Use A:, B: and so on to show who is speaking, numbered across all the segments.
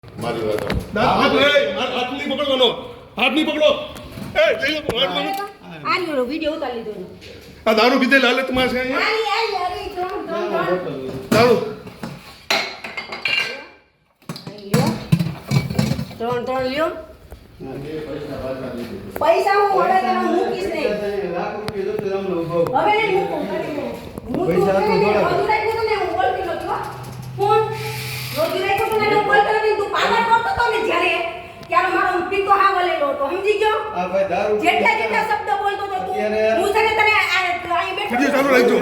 A: મારી વાત
B: હાથ નહીં પકડવાનો, હાથ નહીં પકડો. એ જઈ લો, હાથ પકડો.
C: આનો વિડિયો ઉતારી લીધો એનો.
B: આ દારૂ પીધેલ હાલતમાં છે અહીંયા.
C: આલી ત્રણ
B: દારૂ
C: લ્યો. પૈસા હું હવે તને મૂકીશ નહીં. હવે નહીં મૂકું. પૈસા તો થોડા રોજુ રાખ્યું તો ને હું બોલતી નહોતી હો. ફોન રોજુ રાખ્યું તો ને હું બોલતો નથી. તું પાગલ કરતો તો ને જ્યારે ત્યારે મારો પીતો હા વલેલો હતો, સમજી ગયો?
D: આ ભાઈ દારૂ
C: જેટલા શબ્દ બોલતો તો તું હું છે ને તને અહીં બેઠો
B: વિડિયો ચાલુ રાખજો.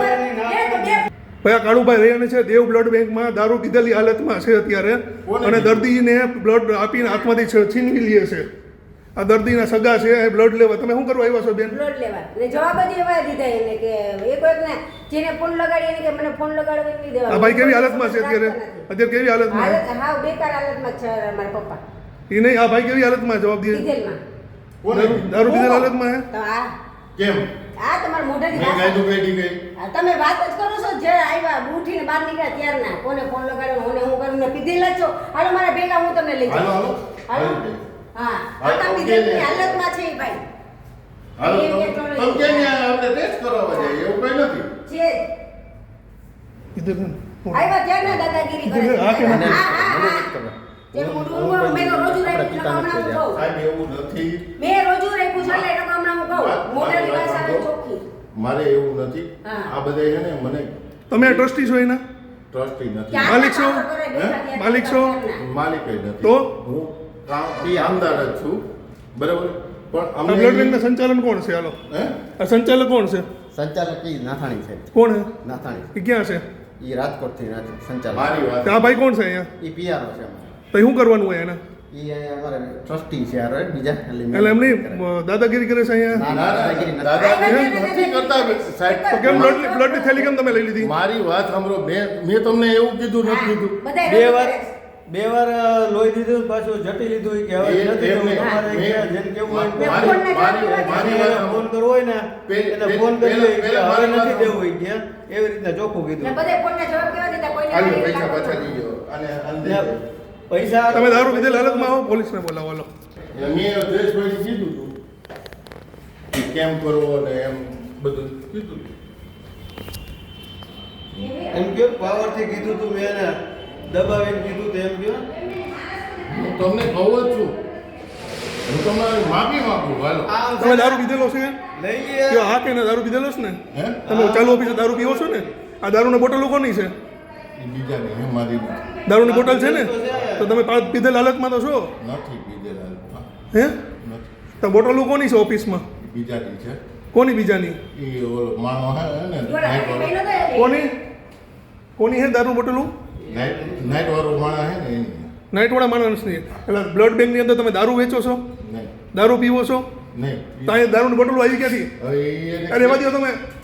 B: ભાઈ આ કાળુભાઈ રહીને છે દેવ બ્લડ બેંકમાં દારૂ પીધેલી હાલતમાં છે અત્યારે અને દર્દીને બ્લડ આપીને હાથમાંથી છીનવી લે છે. આ દર્દીના સગા છે એ બ્લડ લેવા. તમે શું કરવા આવ્યા છો બેન?
C: બ્લડ લેવા. ને જવાબ જ એવા દીધા એને કે એક વખત ને જેને ફોન લગાડી એને કે મને ફોન લગાડવા નહીં દેવા.
B: આ ભાઈ કેવી હાલતમાં છે અત્યારે? અત્યારે કેવી હાલતમાં છે?
C: હાલત હાવ બેકાર હાલતમાં છે મારા પપ્પા.
B: એ નહીં, આ ભાઈ કેવી હાલતમાં જવાબ દે?
C: ડીઝલમાં.
B: દારૂ પીધેલ હાલતમાં હે?
C: તો આ
A: કેમ
C: તમારા મોઢાથી
A: મેં
C: વાત-
A: ગાયતું કઈ ગઈ
C: તમે વાત જ કરો છો જે આવ્યા ઉઠીને બહાર નીકળ્યા ત્યારના કોને ફોન લગાડ્યો કોને હું કરું ને પીધેલા છો. હાલો મારા ભેગા હું તમને લઈ
A: હાલો
C: જાઉં.
A: હાલો
C: હાલો. હા
A: હાલો,
C: આ પીધેલી હાલતમાં છે એ ભાઈ.
A: હાલો
C: એ
A: તમે
C: એટલો
A: તમે કેમ ન્યા આપણે ટેસ્ટ કરાવવા જાય એવું કઈ નથી
C: છે
B: કીધું ને.
C: આવ્યા ત્યારના દાદાગીરી કરે છે.
B: હા કે મને?
C: હા. જેમ મોઢું ઊંઘવાનું મેં તો રોજુ રાખ્યું છે, હમણાં હું કહું.
A: સાહેબ એવું નથી
C: મેં રોજુ રાખ્યું છે એટલે હમણાં હું કહું. મોઢાની વાત આવે ચોખ્ખી.
A: મારે એવું નથી
C: હા.
A: આ બધા છે ને મને
B: તમે ટ્રસ્ટી છો એના?
A: ટ્રસ્ટી નથી
C: ક્યાં
B: માલિક છો?
C: કામ કરે બેઠા ત્યાં
B: માલિક છો?
C: ત્યારના.
A: માલિક જ નથી
B: તો?
A: હું કામદાર જ છું બરાબર પણ
B: આ
A: અમને
B: બ્લડ બેંકના સંચાલન કોણ છે? હાલો,
A: હે
B: આ સંચાલક કોણ છે?
D: સંચાલક ઈ નાથાણી છે.
B: કોણ છે?
D: નાથાણી
B: એ ક્યાં છે?
D: ઈ રાજકોટ થી સંચાલક.
A: મારી વાત
B: આ ભાઈ કોણ છે અહીંયા?
D: ઈ પીઆરઓ છે અમારે.
B: તો શું કરવાનું હોય એને?
D: ઈ અહીંયા અમારે ટ્રસ્ટી છે આ બીજા
B: એટલે એમની દાદાગીરી કરે છે અહીંયા?
D: ના,
A: ના,
D: દાદાગીરી નથી.
A: દાદાગીરી નથી કરતા સાહેબ
B: તો કેમ બ્લડની થેલી કેમ તમે લઈ લીધી?
A: મારી વાત સાંભળો મેં તમને એવું કીધું નથી કીધું
C: બધાય
E: બે
C: રોજુ
E: વાર
C: કરે છે.
E: બે વાર લોહી દીધું પાછું જટી લીધું કે હવે
A: એ
E: નથી દેવું.
A: એમને-
E: તમારે
A: મેં-
E: કે જેને કેવું હોય
C: મેં
E: એને
C: ફોન ના
A: મારી વાત
E: ફોન કરવો હોય ને એને ફોન કરી દે કે
A: પેલા
E: હવે
A: મારી
E: નથી
A: વાત
E: દેવું હોય કે એવી રીતના ચોખ્ખું
C: ને
E: કીધું.
C: બધાય ફોનના જવાબ કેવા દીધા? કોઈને
A: હાલો
C: નહીં
A: પૈસા
C: લાગતો.
A: પાછા લીજો અને
E: ને પૈસા
B: તમે દારૂ પીધેલ હાલતમાં આવો, પોલીસને બોલાવો. હાલો.
A: મેં જયેશભાઈ કીધું હતું કે કેમ કરવો અને એમ બધું કીધું હતું.
E: એમ કે પાવર થી કીધું તું મેં એને દબાવીને કીધું તો એમ કયો
A: હું તમને કહું જ છું હું તમારી માફી માંગુ હાલો
B: તમે દારૂ પીધેલો છે?
E: લઈ
B: કયો
E: ગયા
B: હા કે ના? દારૂ પીધેલો છે ને?
A: હે
B: તમે ચાલુ ઓફિસે દારૂ પીવો છો ને? આ દારૂની બોટલો કોની છે?
A: એ બીજાની હે મારી નથી
B: દારૂની બોટલ છે ને? તો તમે પીધેલ હાલતમાં તો છો
A: પીધેલા હાલમાં.
B: હે?
A: નથી
B: તો બોટલો કોની છે ઓફિસમાં?
A: એ બીજાની છે
B: કોની બીજાની?
A: એ ઓલો માણો હે ને
C: જોડા
A: નાઈટ
C: હાથે
A: વાળો
C: પહેલો તો એ.
B: કોની કોની હે દારૂ બોટલું?
A: નાઈટ વાળો માણો હે ને એની
B: નાઇટવાળા માણસની. એટલે બ્લડ બેંકની અંદર તમે દારૂ વેચો છો?
A: નહીં
B: દારૂ પીવો છો?
A: નહીં
B: તો અહીંયા દારૂની બોટલો આવી ક્યાંથી?
A: હવે
B: અરે એમાં દો તમે.